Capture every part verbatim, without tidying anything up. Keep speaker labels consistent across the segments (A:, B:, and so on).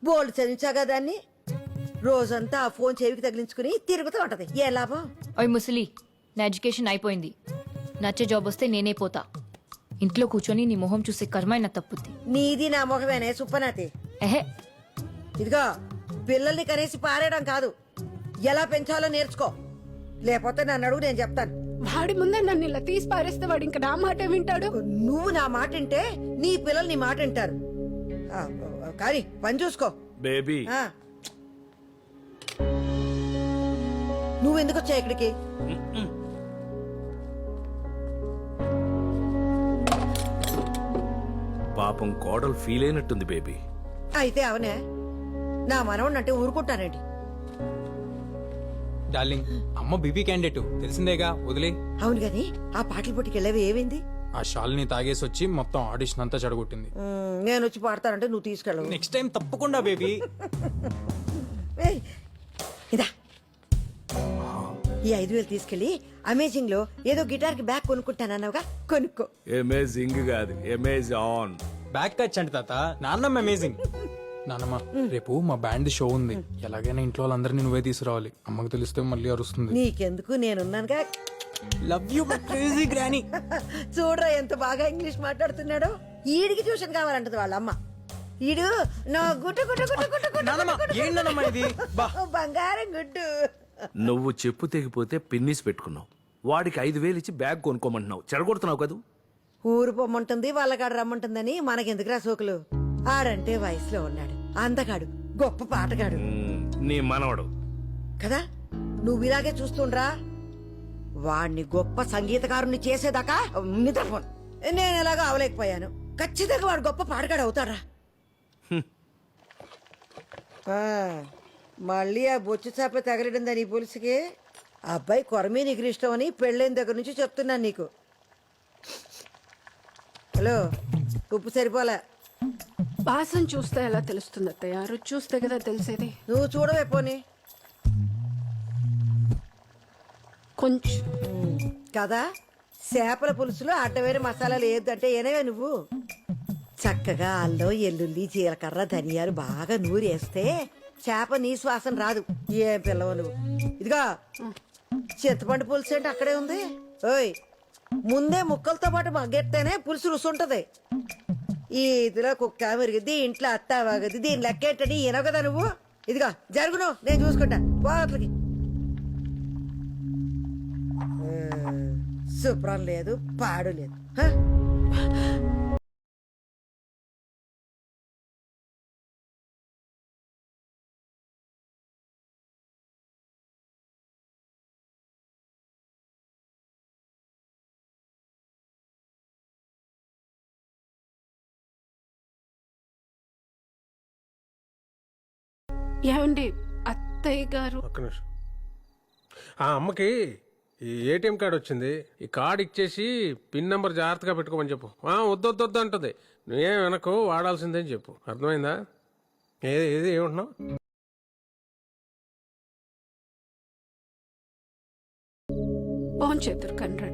A: బోల్డ్ చదివించాగా దాన్ని. రోజంతా ఆ ఫోన్ చెవికి తగిలించుకుని తిరుగుతూ ఉంటది. ఏ లాభం?
B: ఓయ్ ముసలి, నా ఎడ్యుకేషన్ అయిపోయింది. నచ్చే జాబ్ వస్తే నేనే పోతా. ఇంట్లో కూర్చొని నీ మొహం చూసే కర్మైనా తప్పుద్ది.
A: నీది నా మొహమేనే సుప్పనాతి.
B: ఎహే,
A: ఇదిగో పిల్లల్ని కనేసి పారేయడం కాదు, ఎలా పెంచాలో నేర్చుకో. లేకపోతే నన్ను అడుగు, నేను చెప్తాను.
C: వాడి ముందే నన్ను ఇలా తీసి పారేస్తే వాడు ఇంకా నా మాట వింటాడు.
A: నువ్వు నా మాట వింటే నీ పిల్లలు నీ మాట వింటారు. ఆ, కానీ పని చూసుకో
D: బేబీ.
A: ఆ. నువ్వెందుకు వచ్చా ఇక్కడికి?
D: పాపం కోడలు ఫీల్ అయినట్టుంది బేబీ.
A: అయితే అవనే నా మనవణ్ణి అంటే ఊరుకుంటానండి.
E: డార్లింగ్, అమ్మ బీపీ క్యాండిడేట్ తెలిసిందేగా, వదిలే.
A: అవును గాని ఆ పాటల పోటీకి వెళ్ళేవి ఏమైంది?
E: ఆ షాల్ని తాగేసి వచ్చి మొత్తం ఆడిషన్ అంతా చెడగొట్టింది.
A: ఉమ్, నేను వచ్చి పాడతానంటే నువ్వు తీసుకెళ్ళవు.
E: నెక్స్ట్ టైం తప్పకుండా బేబీ.
A: ఏయ్, ఇదా ఈ ఐదు వేలు తీసుకెళ్లి అమేజింగ్ లో ఏదో గిటార్ కి బ్యాగ్ కొనుక్కుంటానన్నావుగా, కొనుక్కో.
D: అమేజింగ్ కాదు, అమేజాన్.
E: బ్యాక్ టచ్ అంటే తాత, నాన్నమ్మ అమేజింగ్. నాన్నమ్మ, రేపు మా బ్యాండ్ షో ఉంది. ఎలాగైనా ఇంట్లో వాళ్ళందరినీ నువ్వే తీసుకురావాలి. అమ్మకు తెలిస్తే మళ్ళీ అరుస్తుంది.
A: నీకెందుకు, నేనున్నానుగా.
E: Love you crazy granny.
A: చూడరా ఎంత బాగా ఇంగ్లీష్ మాట్లాడుతున్నాడో. ఈడికి ట్యూషన్ కావాలంటది వాళ్ళ అమ్మ. ఈడు నా గుట్టు గుట్టు గుట్టు గుట్టు గుట్టు
E: నాన్నమ్మ, ఏం నాన్నమ్మ ఇది? బా.
A: బంగారం గుడ్డు.
D: నువ్వు చెప్పు తెగిపోతే పిన్నిస్ పెట్టుకున్నావు. వాడికి ఐదు వేలు ఇచ్చి బ్యాగ్ కొనుక్కోమంటున్నావు. చెడగొడుతున్నావు కదూ.
A: ఊరు పొమ్మంటుంది, వాళ్ళకాడ రమ్మంటుందని మనకెందుకురా సోకులు. ఆడంటే వయసులో ఉన్నాడు, అందగాడు, గొప్ప పాటగాడు
D: మ్మ్, నీ మనవడు
A: కదా. నువ్వు ఇలాగే చూస్తుండ్రా. వాణ్ణి గొప్ప సంగీతకారుని చేసేదాకా నిద్రపోను. నేను ఎలాగో అవలేకపోయాను. ఖచ్చితంగా వాడు గొప్ప పాటగాడు అవుతాడా. ఆ, మళ్ళీ ఆ బొచ్చు చేప తగలడిందా నీ పులుసుకి? ఆ అబ్బాయి కొరమే నీకు ఇష్టం అని పెళ్ళైన దగ్గర నుంచి చెప్తున్నాను నీకు. హలో, ఉప్పు సరిపోలే.
C: వాసన చూస్తే ఎలా తెలుస్తుంది అత్తయ్య? రుచి చూస్తే కదా తెలిసేది.
A: నువ్వు చూడవే పోనీ.
C: కొంచెం
A: కదా, చేపల పులుసులో అడ్డమైన మసాలాలు ఏదంటే ఏనవే నువ్వు. చక్కగా అల్లం, ఎల్లుల్లి, జీలకర్ర, ధనియాలు బాగా నూరేస్తే చేప నీ శ్వాసన రాదు. ఏం పిల్లవు నువ్వు. ఇదిగా చింతపండు పులుసు అంటే అక్కడే ఉంది. ఓయ్, ముందే ముక్కలతో పాటు మగ్గెత్తేనే పులుసు రుసుంటది. ఈ ఇదిలో కుక్క మెరిగిద్ది, ఇంట్లో అత్త వాగది, దీని లెక్కేంటని ఈనవు కదా నువ్వు. ఇదిగా జరుగును, నేను చూసుకుంటా. పోట్లకి శుభ్రం లేదు, పాడు లేదు. హ?
C: ఏమండి అత్తయ్య గారు?
F: ఒక్క నిమిషం. ఆ అమ్మకి ఈ ఏటీఎం కార్డు వచ్చింది. ఈ కార్డు ఇచ్చేసి పిన్ నెంబర్ జాగ్రత్తగా పెట్టుకోమని చెప్పు. ఆ, వద్దు వద్దు వద్దు అంటుంది. నువ్వేం వెనకు వాడాల్సిందే అని చెప్పు. అర్థమైందా? ఏది ఏది ఏమంటున్నావు?
C: ఫోన్ చేద్దరు కండ్రండి.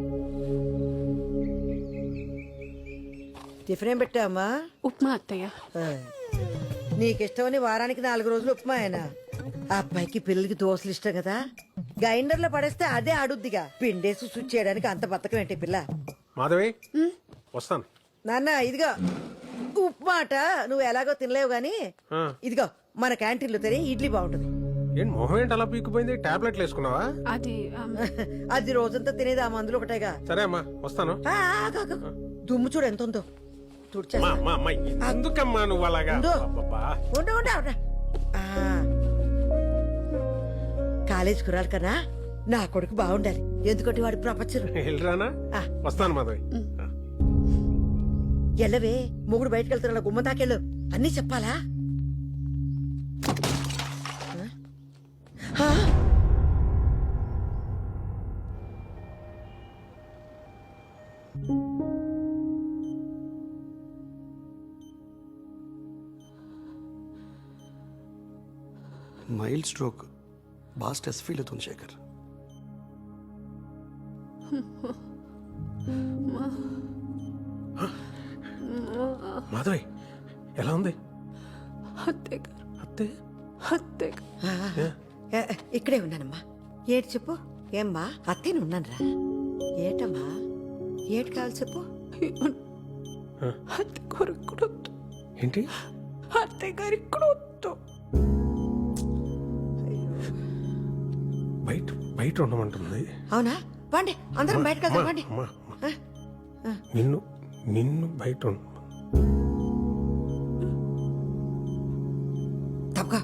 A: టిఫిన్ ఏం పెట్టావమ్మా?
C: ఉప్మా అత్తయ్య.
A: నీకిష్టమని వారానికి నాలుగు రోజులు ఉప్మా అయినా. ఆ అబ్బాయికి పిల్లలకి దోశలు ఇష్టం కదా, గ్రైండర్ లో పడేస్తే అదే ఆడుద్దిగా. పిండేసి స్విచ్ చేయడానికి అంత బతకం ఏంటి పిల్ల.
F: మాధవి, వస్తాను.
A: నాన్న ఇదిగో ఉప్మా అట. నువ్వు ఎలాగో తినలేవు గాని
F: ఆ.
A: ఇదిగో మన క్యాంటీన్లో తినే ఇడ్లీ బాగుంటుంది.
F: ఏంటి మొహం ఏంటి అలా పీకిపోయింది? టాబ్లెట్లు వేసుకున్నావా?
C: అది ఆమ్,
A: అది రోజంతా తినేది ఆ మందులు ఒకటేగా.
F: సరే అమ్మా, వస్తాను.
A: ఆ, ఆగు, ఆగు. దుమ్ము చూడు ఎంత ఉందో. తుడిచేస్తా.
F: అమ్మా, అమ్మా, అమ్మా, ఎందుకమ్మా నువ్వు అలాగా?
A: ఉండు.
F: అబ్బబ్బా.
A: ఉండు, ఉండు, ఉండు. ఆ. కాలేజ్ కురాలి కన్నా నా కొడుకు బాగుండాలి, ఎందుకంటే వాడి ప్రపంచం.
F: వెళ్ళరానా?
A: ఆ.
F: వస్తాను మాధవి.
A: ఎల్లవే, మొగుడు బయటకు వెళ్తున్నా గుమ్మ తాకెళ్ళు. అన్నీ చెప్పాలా? ఆ?
G: మైల్డ్ స్ట్రోక్, బాగా స్ట్రెస్ ఫీల్ అవుతుంది శేఖర్.
F: మాధవి, ఎలా ఉంది?
C: అత్తయ్య గారు
F: అత్తే
C: అత్తయ్య గారు
A: ఆ, ఏ, ఇక్కడే ఉన్నానమ్మా. ఏటి చెప్పు. ఏమ్మా అత్తేను ఉన్నానురా. ఏటమ్మా ఏటి కావాలి చెప్పు.
C: అత్తయ్య గారు ఇక్కడ వద్దు.
F: ఏంటి
C: అత్తయ్య గారు ఇక్కడ వద్దు.
F: బయట బయట ఉండమంటుంది.
A: అవునా పండి అందరం బయటకు వెళ్దాం
F: అమ్మా,
A: పండి.
F: అమ్మా, అమ్మా. నిన్ను నిన్ను బయట ఉండు.
A: తప్పగా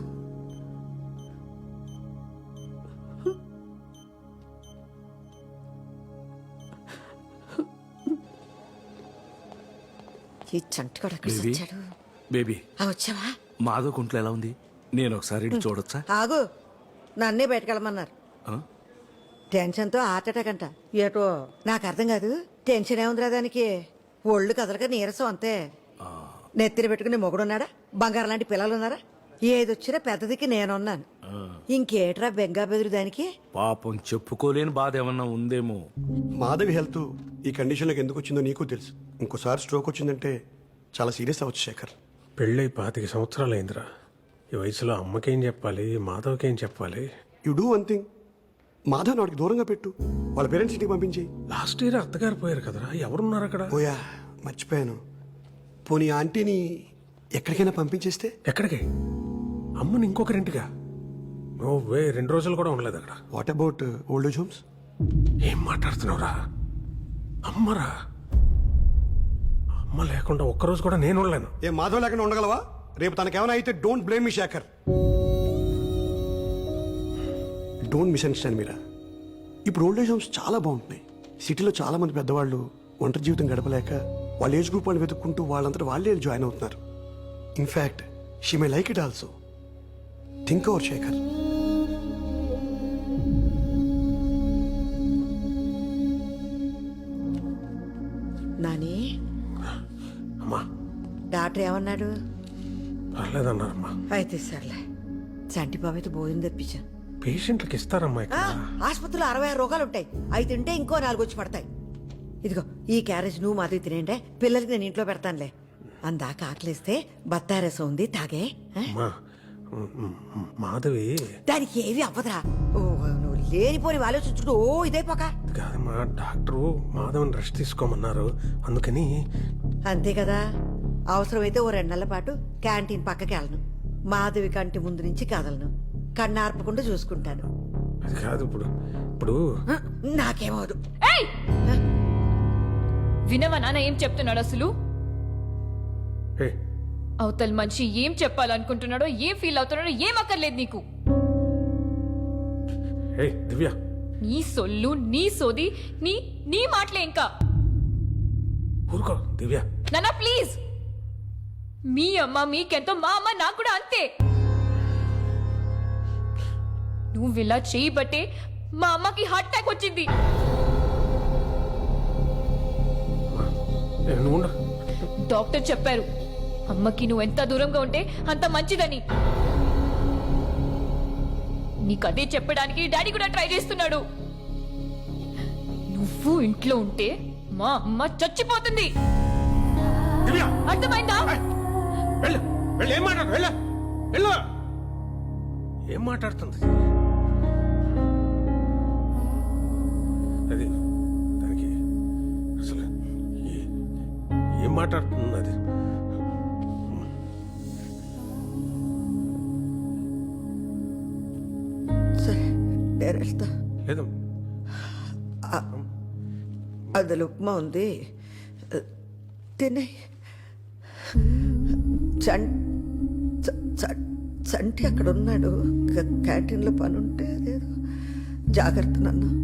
A: ఈ చంటిగాడు ఎక్కడ
D: బేబీ
A: వచ్చాడు.
D: బేబీ
A: ఆ, వచ్చావా.
D: మాధవ్ కుంట్లో ఎలా ఉంది? నేను ఒకసారి ఇటు చూడొచ్చా?
A: ఆగు నన్నే బయటకెళ్ళమన్నారు.
D: ఆ?
A: టెన్షన్తో హార్ట్ అటాక్ అంట. ఏటో నాకు అర్థం కాదు. టెన్షన్ ఏముందిరా దానికి. ఒళ్ళు కదలక నీరసం అంతే. నెత్తిన పెట్టుకుని మొగుడున్నాడా? బంగారం లాంటి పిల్లలు ఉన్నారా? ఏదొచ్చినా పెద్దదికి నేనున్నాను. ఇంకేట్రా బెంగా బెదురు దానికి.
D: పాపం చెప్పుకోలేని బాధ ఏమన్నా ఉందేమో.
G: మాధవి హెల్త్ ఈ కండిషన్లోకి ఎందుకు వచ్చిందో నీకు తెలుసు. ఇంకోసారి స్ట్రోక్ వచ్చిందంటే చాలా సీరియస్ అవ్వచ్చు శేఖర్.
F: పెళ్ళై పాతిక సంవత్సరాలు అయిందిరా. ఈ వయసులో అమ్మకేం చెప్పాలి, మాధవ్కేం చెప్పాలి?
G: You do one thing, Madhav వాడికి దూరంగా పెట్టు. వాళ్ళ పేరెంట్స్ ఇంటికి పంపించి.
F: లాస్ట్ ఇయర్ అత్తగారు పోయారు కదరా, ఎవరున్నారు అక్కడ?
G: ఓయా మర్చిపోయాను. పోనీ ఆంటీని ఎక్కడికైనా పంపించేస్తే?
F: ఎక్కడికి? అమ్మని ఇంకొకరింటిగా? ఓ వే రెండు రోజులు కూడా ఉండలేదు అక్కడ.
G: What about old age homes?
F: ఏం మాట్లాడుతున్నావురా? అమ్మరా, అమ్మ లేకుండా ఒక్కరోజు కూడా నేను ఉండలేను.
G: ఏ మాధవ్ లేకుండా ఉండగలవా? రేపు తనకేమైనా అయితే don't blame me Shekhar. Don't misunderstand Meera. ఇప్పుడు ఓల్డ్ ఏజ్ హోమ్స్ చాలా బాగుంటున్నాయి. సిటీలో చాలా మంది పెద్దవాళ్ళు ఒంటరి జీవితం గడపలేక వాళ్ళ ఏజ్ గ్రూప్ వాళ్ళు వెతుక్కుంటూ వాళ్ళంతా వాళ్ళే జాయిన్ అవుతున్నారు. In fact she may like it also. Think over Shekhar.
A: Nani
F: అమ్మా
A: డాక్టర్ ఏమన్నాడు?
F: పర్లేదన్నారమ్మా.
A: అయితే సర్లే. చంటి బాబు అయితే భోజనం తెప్పించాను.
F: పేషెంట్లకు ఇస్తారమ్మా
A: ఆ,
F: ఇక్కడ.
A: ఆసుపత్రిలో అరవై ఆరు రోగాలు ఉంటాయి. అవి తింటే ఇంకో నాలుగు వచ్చి పడతాయి. ఇదిగో ఈ క్యారేజ్ నువ్వు మాది తినేంటే పిల్లలకి నేను ఇంట్లో పెడతానులే. అందాక ఆకలిస్తే బత్తాయి రసం ఉంది తాగే. ఆ?
F: అమ్మా మ్, మ్, మ్, మాధవి
A: దానికి ఏవి అవ్వదురా. ఓ, నువ్వు లేనిపోని ఆలోచించుకుంటూ ఓ ఇదైపోక.
F: కాదమ్మా, డాక్టరు మాధవన్ రెస్ట్ తీసుకోమన్నారు, అందుకని.
A: అంతే కదా. అవసరమైతే ఓ రెండు నెలల పాటు క్యాంటీన్ పక్కకి వెళ్ళను. మాధవి కంటి ముందు నుంచి కదలను. కన్నార్పకుండా చూసుకుంటాను.
F: అది కాదు ఇప్పుడు ఇప్పుడు
A: ఆ, నాకేమవదు.
B: ఏయ్! వినవా నాన్న ఏం చెప్తున్నాడు అసలు?
F: ఏ
B: అవతల మనిషి ఏం చెప్పాలనుకుంటున్నాడో, ఏం ఫీల్ అవుతున్నాడో ఏం అక్కర్లేదు నీకు.
F: ఏ దివ్య,
B: నీ సొల్లు, నీ సోది, నీ నీ మాటలే ఇంకా.
F: ఊరుకో దివ్య.
B: నాన్న ప్లీజ్. మీ అమ్మ మీకెంతో, మా అమ్మ నాకు కూడా అంతే. నువ్వు ఇలా చేయబట్టే మా అమ్మకి హార్ట్ అటాక్ వచ్చింది.
F: ఏ, నువ్వు ఉండు.
B: డాక్టర్ చెప్పారు అమ్మకి నువ్వు ఎంత దూరంగా ఉంటే అంత మంచిదని. నీకదే చెప్పడానికి డాడీ కూడా ట్రై చేస్తున్నాడు. నువ్వు ఇంట్లో ఉంటే మా అమ్మ చచ్చిపోతుంది.
F: దివ్య
B: అర్థమైందా?
F: వెళ్ళు వెళ్ళు. ఏం మాట్లాడు? వెళ్ళు వెళ్ళు. ఏం మాట్లాడుతుంది అది? దానికి అసలు ఏ- ఏం మాట్లాడుతుంది అది?
A: సరే నేను వెళ్తా.
F: లేదు
A: అందులో ఉప్మా ఉంది తినే. చం చ- చ- చంటి అక్కడ ఉన్నాడు. క్యాంటీన్లో పని ఉంటే అదేదో జాగ్రత్త నన్ను.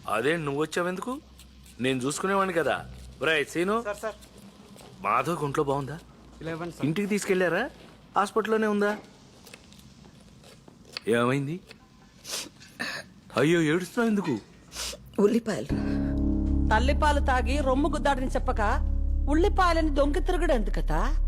D: అదే నువ్వు వచ్చావెందుకు? నేను చూసుకునేవాడిని కదా. బ్రై సీను, మాధవ్ ఒంట్లో బాగుందా? ఇంటికి తీసుకెళ్లారా? హాస్పిటల్లోనే ఉందా? ఏమైంది? అయ్యో ఏడుస్తున్నావు ఎందుకు?
A: ఉల్లిపాయలు
H: తల్లిపాలు తాగి రొమ్ము గుద్దాడని చెప్పక ఉల్లిపాయలని దొంగి తిరుగుడు ఎందుకట